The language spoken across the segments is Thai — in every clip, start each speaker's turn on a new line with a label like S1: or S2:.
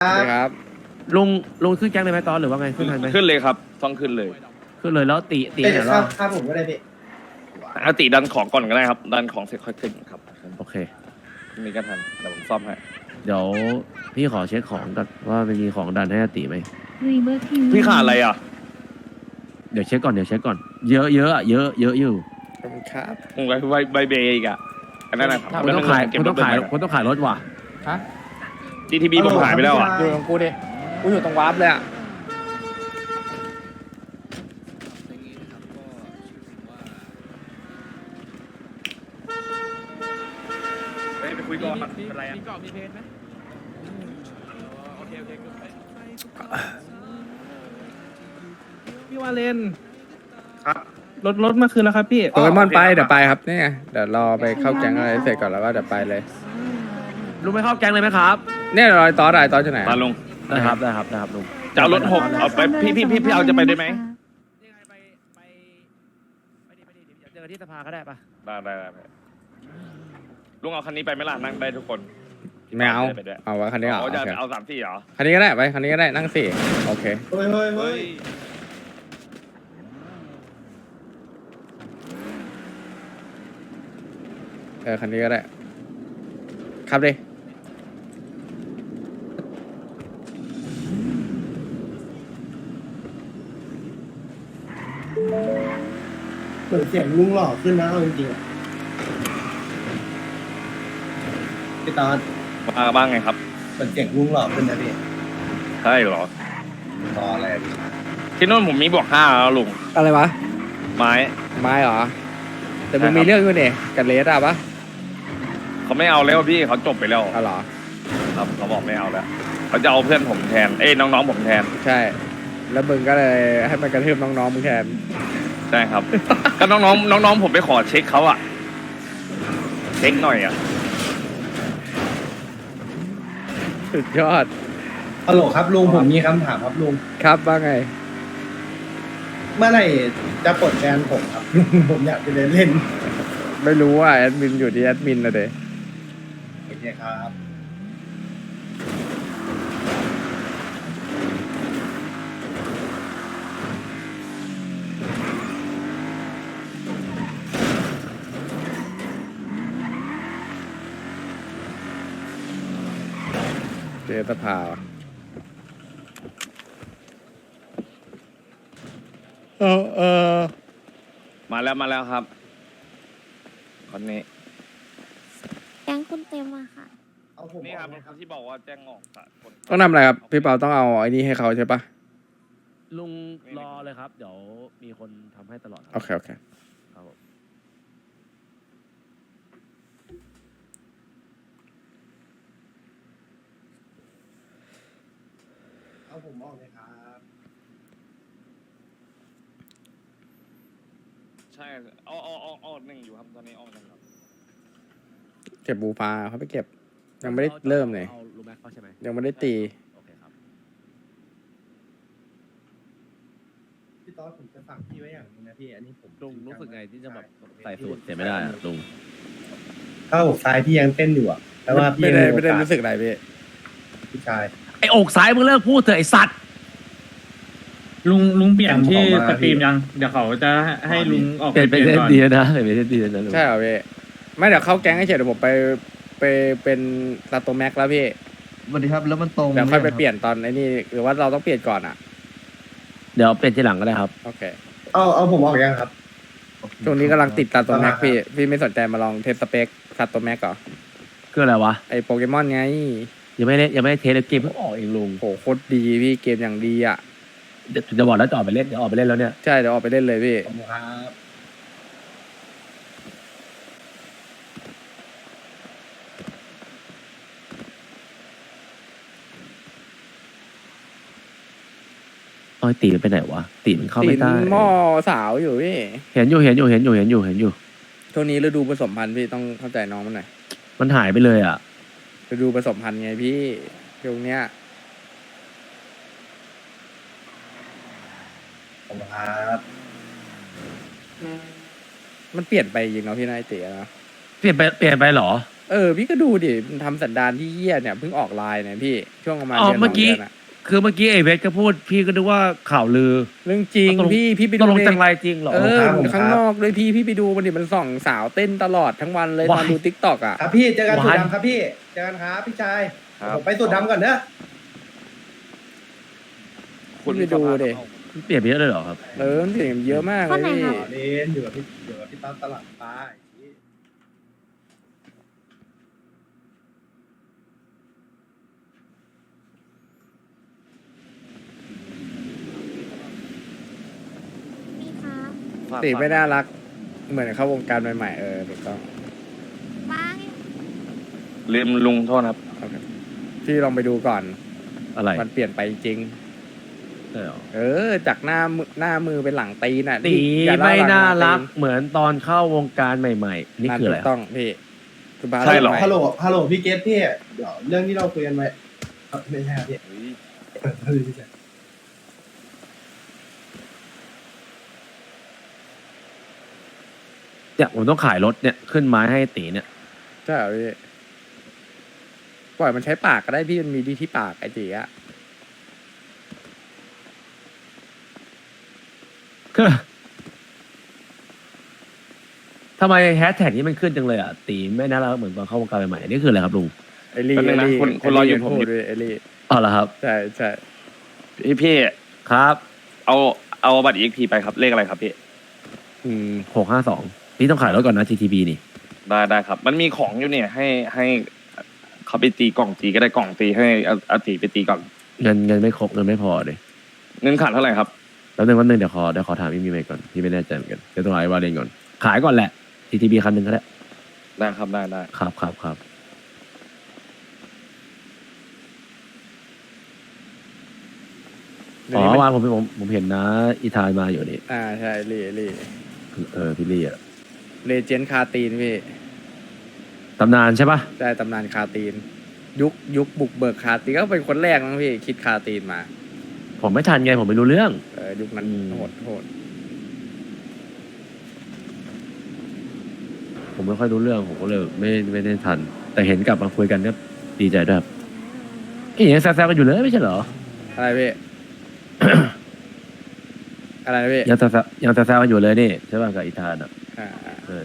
S1: ครับ
S2: ลุงลุงขึ้นแก๊งเลยไหมตอนหรือว่าไงขึ้นทันไหม
S3: ขึ้นเลยครับต้องขึ้นเลย
S2: ขึ้นเลยแล้วตี
S4: เอ้ย
S2: เดี๋ยว
S4: ครั
S2: เรา
S4: บครับผมก็ได้พี่
S3: อาติดันของก่อนก็ได้ครับดันของเสร็จค่อยขึ้นครับ
S2: โอเค
S3: มีกันทันเดี๋ยวผมซ่อมให้
S2: เดี๋ยวพี่ขอเช็คของกันว่ามันมีของดันให้อาติไหม
S5: รีเบอร์ที
S3: พี่ขาดอะไรอ่ะ
S2: เดี๋ยวเช็คก่อนเยอะอะเยอะอยู่
S1: ขอบคุณครับ
S3: มึงใบเบย์อีกอ่ะอันนั้นนะครับ
S2: คุณต้องขาย
S3: เก็บ
S2: คุณ
S3: ร
S2: ต้
S3: ถ
S2: องขาย
S3: ไป
S2: คุณต้องขายรถว่ะ
S1: ฮะ
S3: GTB ผมหายไปแล้วอ่ะ
S1: อยู่กับกูดิกูอยู่ตรงวาร์ปเลยอ่ะ
S3: ไปคุยก่อนเป็นไรอ่ะ
S2: มีกรอบมีเพจไหม
S6: พี่วาเลน
S3: ครับ
S6: รถมาคืนแล้วครับพี่
S1: โปเกมอนไปเดี๋ยวไปครับนี่ไงเดี๋ยวรอไปเข้าแก๊งอะไรเสร็จก่อนแล้วก็เดี๋ยวไปเลย
S2: ลุงไม่เข้าแก๊งเลยไหมครับ
S1: เนี่ยรอยตอสอะไรตอสจะไหน
S3: มาลง
S2: ได้ครับลุง
S3: จะเอารถ6เอาไปพี่เอาจะไปได้ไหม
S2: นี่ไงไปดิเดี๋ยวเจอกันที่สภาก็ได้ปะ
S3: ได้ลุงเอาคันนี้ไปไหมล่ะนั่งได้ทุกคน
S1: ไม่เอา
S3: ไปด้วย
S1: เอาวะคันนี้เหรอ
S3: อ๋อ
S1: โอ
S3: จะ
S1: เค
S3: เอา3-4เหรอ
S1: คันนี้ก็ได้ไปคันนี้ก็ได้นั่งสี่โอเค
S4: เฮ้ยเฮ้ยเฮ้ย
S1: คันนี้ก็ได้ครับดิ
S4: เหมือนเสียงลุงหล่อขึ้นนะเอาจริงๆอะพี่ตอน
S3: มาบ้างไงครับ
S4: เหมือนเสียงลุงหล่อขึ้นนะพี่
S3: ใช่เหรอ
S4: รออะไรพี่
S3: ที่นู่นผมมีบวก5แล้วลุง
S1: อะไรวะ
S3: ไม้
S1: ไม้เหรอแต่มึง
S3: ใช่ครับ
S1: มีเรื่องอยู่เนี่ยกับเลสอะปะ
S3: เขาไม่เอาแล้วพี่เขาจบไปแล้ว
S1: เอาเหรอ
S3: ครับเขาบอกไม่เอาแล้วเขาจะเอาเพื่อนผมแทนเอ้ยน้องๆผมแทน
S1: ใช่ แล้วมึงก็เลยให้มันกระทืบน้องๆมึงแทน
S3: ใช่ครับ ก็น้องๆผมไปขอเช็คเขาอะเช็คหน่อยอะ
S1: สุดยอด
S4: ฮัลโหลครับลุงผมมีคำถามครับลุง
S1: ครับว่าไง
S4: เมื่อไหร่จะปลดแฟนผมครับ ลุงผมอยากจะเดินเล่น
S1: ไม่รู้ว่าแอดมินอยู่ที่แอดมินนะเด้
S4: โอเคครับ
S1: เจสภาว่ะเออ
S3: มาแล้วครับคนนี้
S5: แก๊งคุณเต็มอะค่ะ
S4: เอาผม
S3: นี่ครับ
S4: ออกนะครับ
S3: ที่บอกว่าแจ้งออกสากล
S1: ต้องทำอะไรครับ พี่เปาต้องเอาไอ้นี่ให้เขาใช่ปะ
S2: ลุงรอเลยครับ เดี๋ยวมีคนทำให้ตลอดค
S1: โอ
S2: รับ
S1: เคโอเค
S2: ครับผม
S4: เอาผมออกเลยครับ
S3: ใช่เอาหนึ่งอยู่ครับตอนนี้ออกกันครับ
S1: เก็บบูฟ้าเขาไปเก็บ ยังไม่ได้เริ่มเลย
S2: อาลุงแม็กเข้าใช่ไหม
S1: ยังไม่ได้ตี
S2: โอเคครับ
S4: พี่ตอนผมจะฝากพี่ไว้อย่างหนึงนะพี่อันนี้ผม
S2: ลุงรู้สึกไงที่จะแบบใส่สูตรเสียไม่ได้อะลุง
S4: ถ้าอกซ้ายพี่ยังเต้นอยู่อะแต่ว่าพี่
S1: ไม่
S4: ยัง
S1: ได้
S4: มีโอ
S1: ไม่ได้
S4: กาส
S1: รู้สึกอะไรพี่
S4: พี่ชาย
S2: ไอ้อกซ้ายมึงเลิกพูดเถอะไอ้สัตว์
S6: ลุงเปลี่ยนที่
S4: ผมขอมา
S6: สตรีมยัง เดี๋ยวเขาจะให้ลุงออก
S2: เปลี่ยนไป
S6: เปลี่ยน
S2: เล่น
S6: ก่อน
S2: ดีนะเปลี่ยนไปเล่นดีนะลุง
S1: ใช่เหรอพี่ ไม่เดี๋ยวเข้าแก๊งให้เฉยเดี๋ยวผมไปเป็นลาโตแม็กแล้วพี่
S7: สวัสดีครับแล้วมันตรง
S1: เดี๋ยวค่อยไป
S7: หม
S1: เปลี่ยนตอนไอ้นี่หรือว่าเราต้องเปลี่ยนก่อนอ่ะ
S2: เดี๋ยวเปลี่ยนทีหลังก็ได้ครับ
S1: โอเค
S4: เอาผมออกยังครับ
S1: ช่วงนี้กำลังติดลาโตแม็กพี่ไม่สนใจมาลองเทสสเปคลาโตแม็กเหรอ
S2: คืออะไรวะ
S1: ไอโปเกมอนไง
S2: ยังไม่ได้เทสเลยเกมเพิ่งออกเองลุง
S1: โหโคตรดีพี่เกมอย่างดีอ่ะ
S2: เดี๋ยวจะบอกแล้วจะออกไปเล่นเดี๋ยวออกไปเล่นแล้วเนี่ย
S1: ใช่เดี๋ยวออกไปเล่นเลยพี่
S4: ขอบคุณครับ
S2: อ้อยตีมันไปไหนวะตีมันเข้าไม่ได้
S1: หม้อสาวอยู่พี่
S2: เห็นอยู่
S1: ช่วงนี้ฤดูผสมพันธุ์พี่ต้องเข้าใจน้องมันหน่อย
S2: มันหายไปเลยอ่ะ
S1: ฤดูผสมพันธุ์ไงพี่ช่วงเนี้ย
S4: ขอบคุณครับ
S1: มันเปลี่ยนไปจริงเนาะพี่นายเตี๋ยนะ
S2: เปลี่ยนไปเหรอ
S1: พี่ก็ดูดิมันทำสันดานที่เหี้ยเนี่ยเพิ่งออกไลน์เนี่ยพี่ช่วงประมาณ
S2: อ๋อ
S1: เดือน
S2: เมื่อกี้
S1: สงดืนอะ
S2: คือเมื่อกี้ไอเวทก็พูดพี่ก็นึกว่าข่าวลือ
S1: เรื่องจริง
S2: ตกลง
S1: พี่ไป
S2: ต
S1: ดู
S2: กลง
S1: ดิ
S2: จังไรจริงเหรอ
S1: ข้างนอกเลยพี่ไปดูมันดิมันส่องสาวเต้นตลอดทั้งวันเลยตอน
S2: Why?
S1: ดูทิกตอกอ่ะ
S4: ครับพี่เจอกัน
S2: ห
S4: สุ
S2: วา
S4: ด
S2: น
S4: ดำครับพี่เจอกันครับพี่ชาย
S3: ครับ
S4: ผมไปสุดดำก่อนเนอะ
S1: พี่ไปดูดิ
S2: เปลี่ยนไปเยอะเลยเหรอครับ
S1: มันเปลี่ยนเยอะมากเล
S5: ข้
S1: ย
S5: ไหน
S1: พี่
S5: ครับ
S4: เล่นอยู่กับพี่ตั้มตลาดปลา
S5: มีครับ
S1: ตีไม่น่ารัก เหมือนเข้าวงการใหม่ๆถูกต้อง
S5: บ้าง
S3: ลืมลุงโทษครับ
S1: พี่ลองไปดูก่อน
S2: อะไร
S1: มันเปลี่ยนไปจริง
S2: ใช่เหรอ
S1: จากหน้ามือเป็นหลังตีนน่ะ
S2: ตี
S1: อย่เล่
S2: ไม่
S1: หลัง
S2: น่ารัก
S1: ตี
S2: เหมือนตอนเข้าวงการใหม่ๆ นี่คืออะไร
S1: ถูกต้องพี่คือบ้าน
S3: ใช่เหรอ
S4: ฮัลโหลพี่เกตพี่เดี๋ยวเรื่องที่เราคุยกันไว้ไม่ใช่ครับพี่พี่ชาย
S2: เนี่ยผมต้องขายรถเนี่ยขึ้นไม้ให้ตีเนี่ย
S1: ใช่เหรอพี่ปล่อยมันใช้ปากก็ได้พี่มันมีดีที่ปากไอ้จีอะ
S2: ทำไมแฮชแท็กนี้มันขึ้นจังเลยอ่ะตีไม่น่ารักเหมือนตอนเข้าวงการใหม่ๆนี่คืออะไรครับลุง
S1: ไอลี่
S3: แป๊บนึงนะคนรออยู่ผม
S1: พูดด้วยไอลี่
S2: อ๋อเหรอครับ
S1: ใช่ใช่
S3: พี่
S2: ครับ
S3: เอาบัตร EXP ไปครับเลขอะไรครับพี่
S2: 652นี่ต้องขายรถก่อนนะ GTB นี่
S3: ได้ครับ มันมีของอยู่เนี่ยให้เขาไปตีกล่องตีก็ได้กล่องตีให้อาตีไปตีก่อน
S2: เงินไม่ครบเงินไม่พอเลย
S3: เงินขาดเท่าไหร่ครับ
S2: แล้วนึงวันนึงเดี๋ยวขอถามพี่มีไหมก่อนพี่ไม่แน่ใจเหมือนกันเดี๋ยวต้องหาไอ้วาเลนก่อนขายก่อนแหละ GTB คันหนึ่งก็ได้
S3: ได้ครับได้
S2: ครับอ๋อเมื่อวานผมเห็นนะอีธานมาอยู่นี่
S1: ใช่ไอลี่
S2: พี่ลี่อะ
S1: เลเจนด์คาตีนพี่
S2: ตำนานใช่ปะ
S1: ได้ตำนานคาตีน ยุคบุกเบิกคาตีนก็เป็นคนแรกมั้งพี่คิดคาตีนมา
S2: ผมไม่ทันไงผมไม่รู้เรื่อง
S1: ยุคนั้น
S2: อืม
S1: โหด
S2: ผมไม่ค่อยรู้เรื่องผมก็เลยไม่ได้ทัน แต่เห็นกลับมาคุยกันก็ดีใจด้วยครับอียังแซวๆกันอยู่เลยไม่ใช่เหรอ
S1: อะไรพี่ อะไรนะพี่
S2: ยังแซวๆกันอยู่เลยนี่ใช่ป่ะกับอีธานอ่ะ
S1: อ่า
S2: ใช่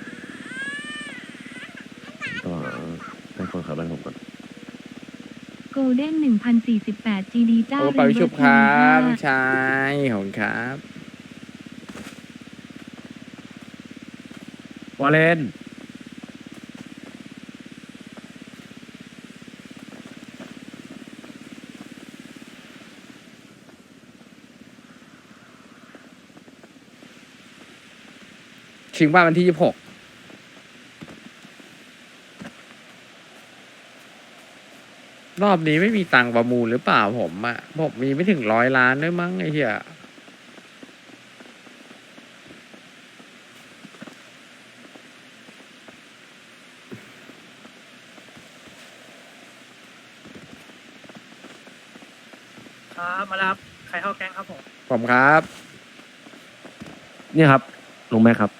S2: ก็ให้คนขับบ้านผมก่อน
S5: โกลเด้น1048 GD เจ้า
S1: โอ้ไปชุบครับชายขอบคุณครับ
S2: วาเลน
S1: ชิงบ้านวันที่26รอบนี้ไม่มีตังค์ประมูลหรือเปล่าผมมีไม่ถึง100 ล้านด้วยมั้งไอ้เหี้ย
S7: ครับมารับใครเข้าแก๊งครับผม
S1: ผมครับ
S2: นี่ครับลุงแม่ครับ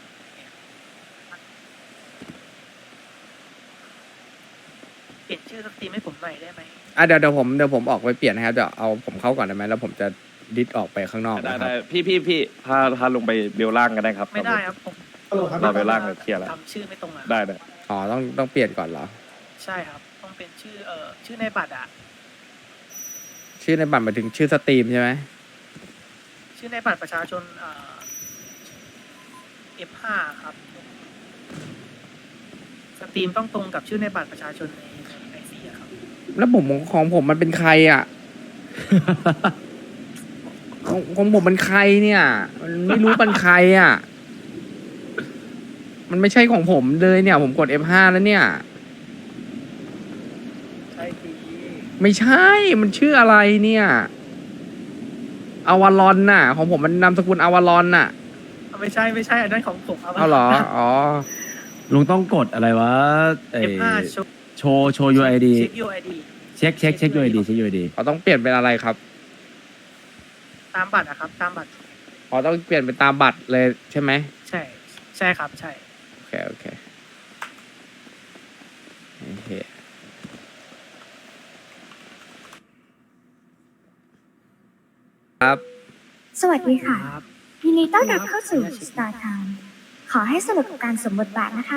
S7: เปลี่ยนชื่อสตรีมให้ผมหน่อยได้ไหม
S1: เดี๋ยวผมออกไปเปลี่ยนนะครับเดี๋ยวเอาผมเข้าก่อนได้ไหมแล้วผมจะดิสออกไปข้างนอก
S3: ได้
S1: นะครับ
S3: พี่พาลงไปเบลล่างก็ได้ครับ
S7: ไม่ได้ครับผม
S4: ฮัลโหลครับ
S3: เราเบลล่างเลยเคลียร์แล้ว
S7: ทำชื่อไม่ตรงอ่ะ
S3: ได้
S1: อ๋อต้องเปลี่ยนก่อนเหรอ
S7: ใช่ครับ ต้องเป็นชื่อในบัตรอ่ะ
S1: ชื่อในบัตรหมายถึงชื่อสตรีมใช่ไหม
S7: ชื่อในบัตรประชาชนF5 ครับสตรีมต้องตรงกับชื่อในบัตรประชาชนในICอะครับ
S1: แล้วของผมมันเป็นใครอ่ะ ของผมมันใครเนี่ย มันไม่รู้เป็นใครอ่ะ มันไม่ใช่ของผมเลยเนี่ย ผมกด F5 แล้วเนี่ย
S7: ใช่ดี
S1: ไม่ใช่ มันชื่ออะไรเนี่ยอาวารอนน่ะ ของผมมันนามสกุลอาวารอนน่ะ
S7: ไม่ใช่อันนั้นของผมครับ
S1: เอาเหรอ อ๋อ
S2: ลุงต้องกดอะไรวะไอ้
S7: F5
S2: โชว์ UID
S7: เช็ค UID
S2: เช็ค UID
S1: เขาต้องเปลี่ยนเป็นอะไรครับ
S7: ตามบัตรนะครับ ตามบัตร
S1: อ๋อต้องเปลี่ยนเป็นตามบัตรเลยใช่ไหม
S7: ใช่ครับใช่
S1: โอเคครับ
S8: สวัสดีค่ะ
S7: ครับ
S8: ยินดีต้อนรับเข้าสู่ Star Time ขอให้สนุกกับการสวมบทบาทนะคะ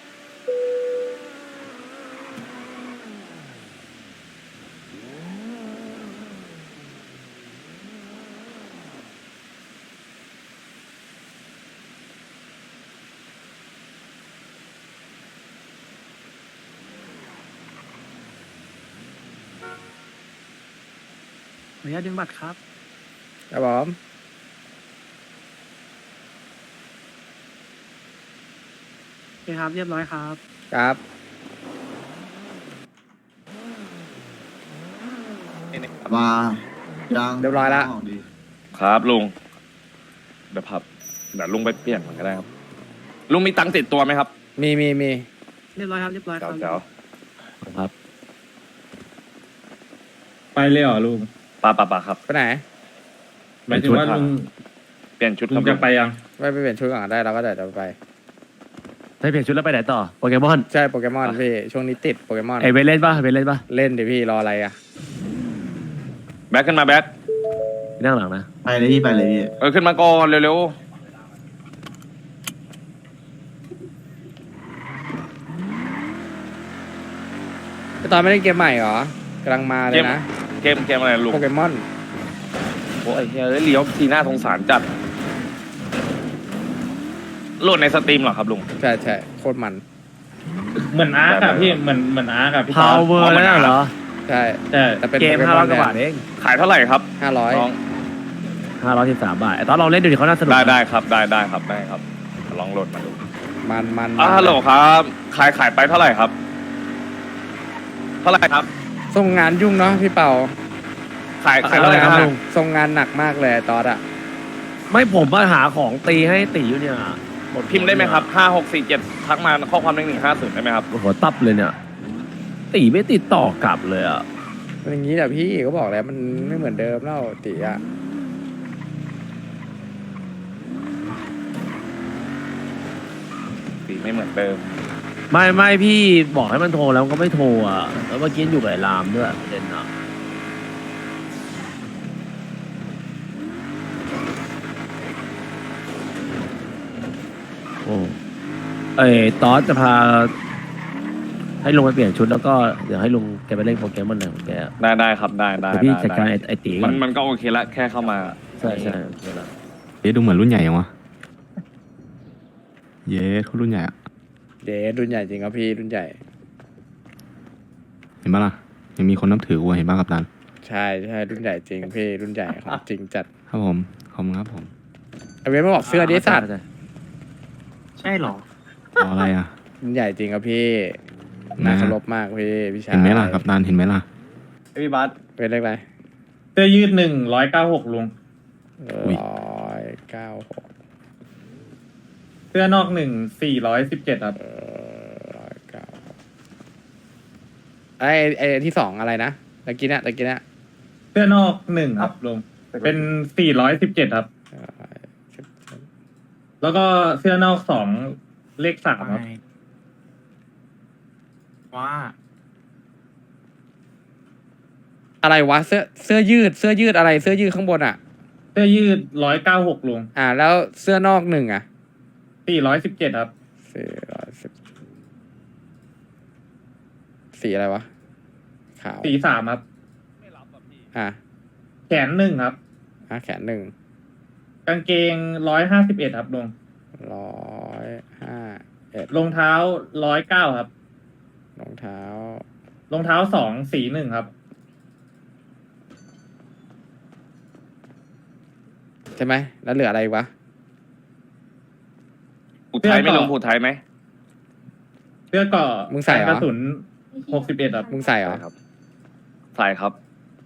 S7: ขออนุญาตดึงบัตรครับ
S1: ครับผม
S7: โอเคครับ เรียบร้อยครับ
S1: ครับ
S9: มายัง
S1: เรียบร้อยละ
S9: ดี
S3: ครับลุงเดี๋ยวลุงไปเปลี่ยนมันก็ได้ครับ ลุงมีตังค์ติดตัวไหมครับ
S1: มี
S7: เรียบร้อยครับ เรียบร้อยครับ
S3: เจ้า
S2: ครับ
S6: ไปเลยเหรอลุง
S3: ปาครับ
S1: ไปไหน
S6: หมายถึงว่าลุง
S3: เปลี่ยนชุดค
S6: ลุ
S3: รั
S6: ง
S3: บ
S6: จะไปยัง
S1: ไปเปลี่ยนชุดก่อนได้เราก็เดี๋ยวไป
S2: ได้เปลี่ยนชุดแล้วไปไหนต่อโปเกมอน
S1: ใช่โปเกมอนพี่ ช่วงนี้ติดโปเกมอน
S2: ไอเวนเล่นปะเวนเล่นปะ
S1: เล่นดิพี่รออะไรอ่ะ
S3: แบ็คขึ้นมาแบ็ค
S2: ไปนั่งหลังนะ
S9: ไปเลยพี่ไปเลยพี่
S3: ขึ้นมาก่อนเร็ว
S1: ตอนไม่ได้เกมใหม่เหรอกำลังมาเลยนะ
S3: ๆเกมอะไรลุง
S1: โปเกมอน
S3: โอ้ยเฮ้ยเลี้ยวทีหน้าสงสารจัดโหลดในสตรีมเหรอครับลุง
S1: ใช่ใช่โคตรมัน
S6: เหมือนอาร์คอะพี่เหมือนอาร์คอะพี่
S2: พาวเวอร์
S3: เอามา
S2: แล้วเหรอ
S1: ใช่
S6: ใช่
S1: แต่เป็น
S2: เกม
S1: โป
S2: 500
S1: น
S2: กว่าบาทเอง
S3: ขายเท่าไหร่ครับ
S1: 500
S3: น้อง
S2: 513 บาทไอตอนเราเล่นดูดิเขาน่าสนุกนะ
S3: ได้ครับได้ครับลองโหลดมาดู
S1: มัน
S3: ฮัลโหลครับขายไปเท่าไหร่ครับ เท่าไหร่ครับ
S1: ส่งงานยุ่งเนาะพี่เป่า
S3: ขายเท่าไหร่ครับลุง
S1: ส่งงานหนักมากเลยตอนอะ
S2: ไม่ผมมาหาของตีให้ตีอยู่เนี่ย
S3: พิมพ์ได้ไหมครับ5647ทักมาข้อความ1150ได้ไหมครับ
S2: โอ้โหตับเลยเนี่ย ตีไม่ติดต่อกลับเลยอ่ะ
S1: มันอย่างนี้แหละพี่ก็บอกแล้วมันไม่เหมือนเดิมแล้วติอะ
S3: สีไม่เหมือนเดิม
S2: ไม่พี่บอกให้มันโทรแล้วมันก็ไม่โทรอ่ะ แล้วเมื่อกี้อยู่กับไอ้รามด้วยประเด็นอ่ะโอ้ไอ้ตอสจะพา ให้ลุงไปเปลี่ยนชุดแล้วก็เดี๋ยวให้ลุงแกไปเล่นโปเกมอนไหนของแกอะ
S3: ได้ครับได้
S2: เดี๋ยวพี่จัดการไอ้ตีก่
S3: มั
S2: อน
S3: นก็โอเคละแค่เข้ามา
S2: ใช่โอเคละ
S9: เอ๊ะดูเหมือนรุ่นใหญ่ยังวะเย้เขารุ่นใหญ่อะ
S1: เดดรุ่นใหญ่จริงครับพี่รุ่นใหญ่
S9: เห็นปะล่ะยังมีคนนับถือกูเห็นปะกับตัน
S1: ใช่รุ่นใหญ่จริงพี่รุ่นใหญ่ของจริงจัด
S9: ครับผมขอบคุณครับผม
S1: ไอเวนมาบอกเสื้อดิสัตว์
S6: ใช่เหรอ
S9: เอาอะไรอ่ะ
S1: รุ่นใหญ่จริงครับพี่น่าเคารพมากพี่ชาย
S9: เห็นไหมล่ะกับตันเห็นไหมล่ะ
S6: พี่บัส
S1: เป็นเลขอะไร
S6: เสื้อยืด196ลุง
S9: อุ๊ย
S1: 196
S6: เสื้อนอก417ครับ
S1: 196ไอที่สองอะไรนะตะกี้เนี่ย
S6: เสื้อนอก1ครับลุงเป็น417ครับ แล้วก็เสื้อนอก2เลข3ครับ
S7: ว่า
S1: อะไรวะเสื้อยืดอะไรเสื้อยืดข้างบนอ่ะ
S6: เสื้อยืด196ลุง
S1: แล้วเสื้อนอกหนึ่งอ่ะ
S6: 417ครับ
S1: 410สีอะไรวะขาว
S6: สี3ครับ
S1: อ่ะ
S6: แขน1ครับ
S1: แขนหนึ่ง
S6: กางเกง151ครับลุง
S1: 151
S6: รองเท้า109ครับ
S1: รองเท้า
S6: รองเท้า2สี1ครับ
S1: ใช่ไหมแล้วเหลืออะไรอีกวะ
S3: ผูดไทยไหม่ลงผูดไทยไหม
S6: เสื้อเกราะ
S1: มึงใส่เหรอ
S6: กระสุน61ครับ
S1: มึงใส่เหรอ
S3: ครับใส่ครับ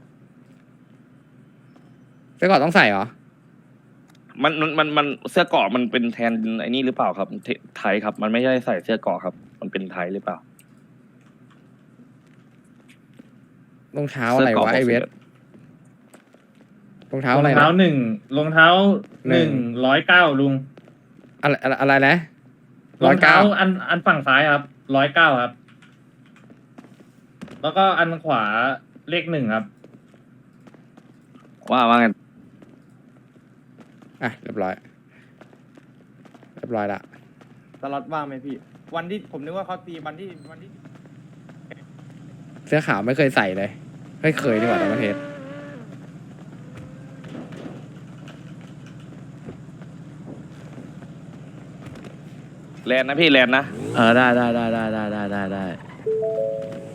S1: เสื้อก่อนต้องใส่เหรอ
S3: มันเสื้อเกราะมันเป็นแทนไอ้นี่หรือเปล่าครับไทยครับ มันไม่ใช่ใส่เสื้อเกราะครับ มันเป็นไทยหรือเปล่าร
S1: องเท้าอะไรวะไอเวทรองเท้าร
S6: อ
S1: อะไร
S6: ง
S1: นะ
S6: เท้า1รองเท้า109ลุง
S1: อะไรนะ
S6: รองเท้าอันฝั่งซ้ายครับ109ครับ แล้วก็อันขวาเลข1ครับ
S3: ว่าไง
S1: อ่ะเรียบร้อยละ
S6: สล็อตว่างไหมพี่ วันที่ผมนึกว่าเขาตีวันที่
S1: เสื้อขาวไม่เคยใส่เลยไม่เคยดีกว่าในประเทศ
S3: แลนนะพี่แลนนะ
S2: ได้